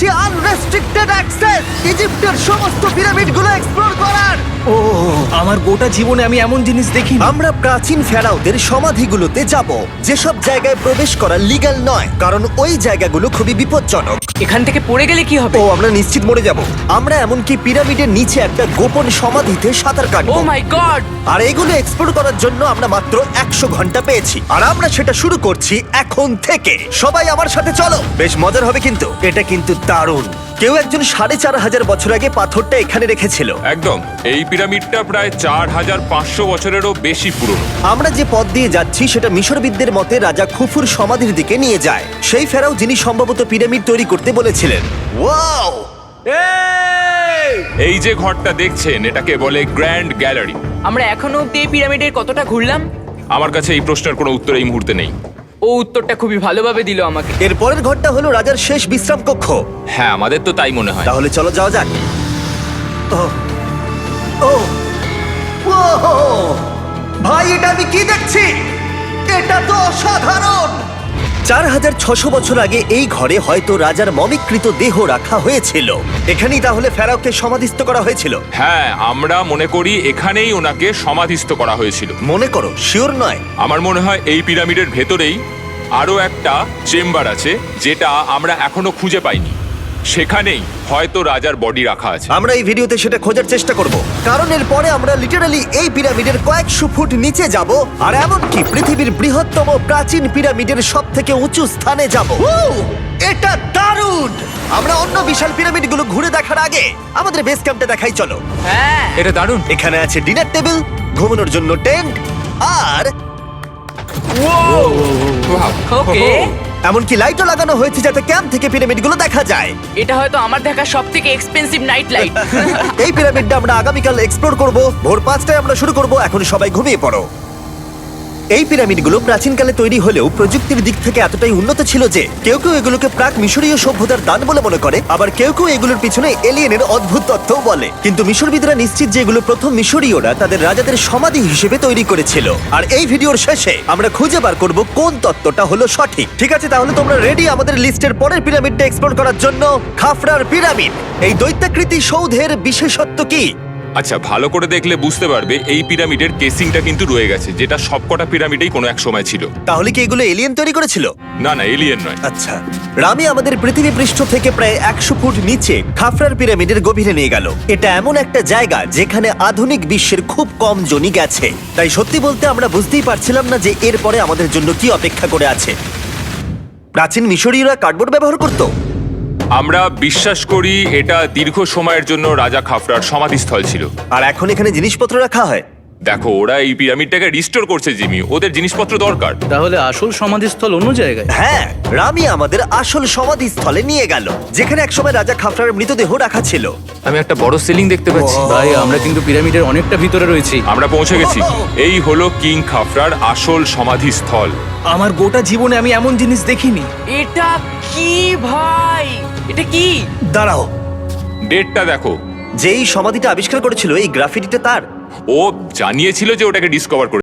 পাচ্ছি unrestricted access ইজিপ্টের সমস্ত পিরামিডগুলো explore করার। ও আমার গোটা জীবনে আমি এমন জিনিস দেখিনি। আমরা প্রাচীন ফেরাওদের সমাধিগুলোতে যাব, যেসব জায়গায় প্রবেশ করা লিগ্যাল নয়, কারণ ওই জায়গাগুলো খুবই বিপজ্জনক। এখান থেকে পড়ে গেলে কি হবে? ও আমরা নিশ্চিত মরে যাব। আমরা এমনকি পিরামিডের নিচে একটা গোপন সমাধিতে সাঁতার ও কাটবো। মাই গড! আর এগুলো এক্সপ্লোর করার জন্য আমরা মাত্র 100 ঘন্টা পেয়েছি, আর আমরা সেটা শুরু করছি এখন থেকে। সবাই আমার সাথে চলো, বেশ মজার হবে কিন্তু। এটা কিন্তু দারুণ। কেউ একজন 4500 বছর আগে পাথরটা এখানে রেখেছিল। একদম, এই পিরামিডটা প্রায় 4500 বছরেরও বেশি পুরনো। আমরা যে পথ দিয়ে যাচ্ছি সেটা মিশরবিদদের মতে রাজা খুফুর সমাধির দিকে নিয়ে যায়, সেই ফেরাও যিনি সম্ভবত পিরামিড তৈরি করতে বলেছিলেন। ওয়াও! এই যে ঘরটা দেখছেন, এটাকে বলে গ্র্যান্ড গ্যালারি। আমরা এখনো অব্দি এই পিরামিডের কতটা ঘুরলাম? আমার কাছে এই প্রশ্নের কোনো উত্তর এই মুহূর্তে নেই। ও উত্তরটা খুবই ভালোভাবে দিল আমাকে। এর পরের ঘরটা হলো রাজার শেষ বিশ্রাম কক্ষ। হ্যাঁ, আমাদের তো তাই মনে হয়। তাহলে চলো যাওয়া যাক। ও ও ও ভাই, এটা আমি কি দেখছি? এটা তো অসাধারণ। 4600 বছর আগে এই ঘরে হয়তো রাজার মমিকৃত দেহ রাখা হয়েছিল। এখানেই তাহলে ফেরাওকে সমাধিস্থ করা হয়েছিল। হ্যাঁ, আমরা মনে করি এখানেই ওনাকে সমাধিস্থ করা হয়েছিল। মনে করো, শিওর নয়। আমার মনে হয় এই পিরামিডের ভেতরেই আরো একটা চেম্বার আছে, যেটা আমরা এখনো খুঁজে পাইনি। সেখানেই হয়তো রাজার বডি রাখা আছে। আমরা এই ভিডিওতে সেটা খোঁজার চেষ্টা করব, কারণ এর পরে আমরা লিটারালি এই পিরামিডের কয়েকশো ফুট নিচে যাব, আর এমনকি পৃথিবীর বৃহত্তম প্রাচীন পিরামিডের সবথেকে উঁচু স্থানে যাব। এটা দারুণ! আমরা অন্য বিশাল পিরামিডগুলো ঘুরে দেখার আগে আমাদের বেস ক্যাম্পটা দেখাই চলো। হ্যাঁ, এটা দারুণ। এখানে আছে ডিনার টেবিল, ঘুমানোর জন্য টেন্ট, আর ওকে। এমনকি লাইটও লাগানো হয়েছে যাতে ক্যাম্প থেকে পিরামিডগুলো দেখা যায়। এটা হয়তো আমার দেখা সবথেকে এক্সপেন্সিভ নাইট লাইট। এই পিরামিডটা আমরা আগামীকাল এক্সপ্লোর করব। ভোর 5টায় আমরা শুরু করব। এখন সবাই ঘুমিয়ে পড়ো। এই পিরামিডগুলো প্রাচীনকালে তৈরি হলেও প্রযুক্তির দিক থেকে এতটাই উন্নত ছিল যে কেউ কেউ এগুলোকে প্রাক মিশরীয় সভ্যতার দান বলে মনে করে, আবার কেউ কেউ এগুলোর পিছনে এলিয়েনের অদ্ভুত তথ্যও বলে। কিন্তু মিশরবিদরা নিশ্চিত যে এগুলো প্রথম মিশরীয়রা তাদের রাজাদের সমাধি হিসেবে তৈরি করেছিল। আর এই ভিডিওর শেষে আমরা খুঁজে বার করব কোন তত্ত্বটা হলো সঠিক। ঠিক আছে, তাহলে তোমরা রেডি আমাদের লিস্টের পরের পিরামিডটা এক্সপ্লোর করার জন্য? খাফরার পিরামিড। এই দৈত্যাকৃতি সৌধের বিশেষত্ব কি? আচ্ছা, ভালো করে দেখলে বুঝতে পারবে এই পিরামিডের কেসিংটা কিন্তু রয়ে গেছে, যেটা সবকটা পিরামিডেই কোনো এক সময় ছিল। তাহলে কি এগুলো এলিয়েন তৈরি করেছিল? না না, এলিয়েন নয়। আচ্ছা, রামি আমাদের পৃথিবী পৃষ্ঠ থেকে প্রায় 100 ফুট নিচে খাফরার পিরামিডের গভীরে নিয়ে গেল। এটা এমন একটা জায়গা যেখানে আধুনিক বিশ্বের খুব কম জনই গেছে। তাই সত্যি বলতে আমরা বুঝতেই পারছিলাম না যে এরপরে আমাদের জন্য কি অপেক্ষা করে আছে। প্রাচীন মিশরীয়রা কার্ডবোর্ড ব্যবহার করত। আমরা বিশ্বাস করি এটা দীর্ঘ সময়ের জন্য রাজা খাফরার সমাধিস্থল ছিল। আর এখন এখানে জিনিসপত্র রাখা হয়। দেখো, ওরা এই পিরামিডটাকে রিস্টোর করছে জিমি, ওদের জিনিসপত্র দরকার। তাহলে আসল সমাধিস্থল অন্য জায়গায়? হ্যাঁ, রামি আমাদের আসল সমাধিস্থলে নিয়ে গেল, যেখানে একসময় রাজা খাফরার মৃতদেহ রাখা ছিল। আমি একটা বড় সিলিং দেখতে পাচ্ছি। ভাই, আমরা কিন্তু পিরামিডের অনেকটা ভিতরে রয়েছি। আমরা পৌঁছে গেছি। এই হলো কিং খাফরার আসল সমাধিস্থল। আমার গোটা জীবনে আমি এমন জিনিস দেখিনি। এটা কি ভাই? এটা কি? দাঁড়াও, ডেটটা দেখো। যেই সমাধিটা আবিষ্কার করেছিল এই গ্রাফিটিটা তার। ও জানিয়েছিল যে ওটাকে ডিসকভার করে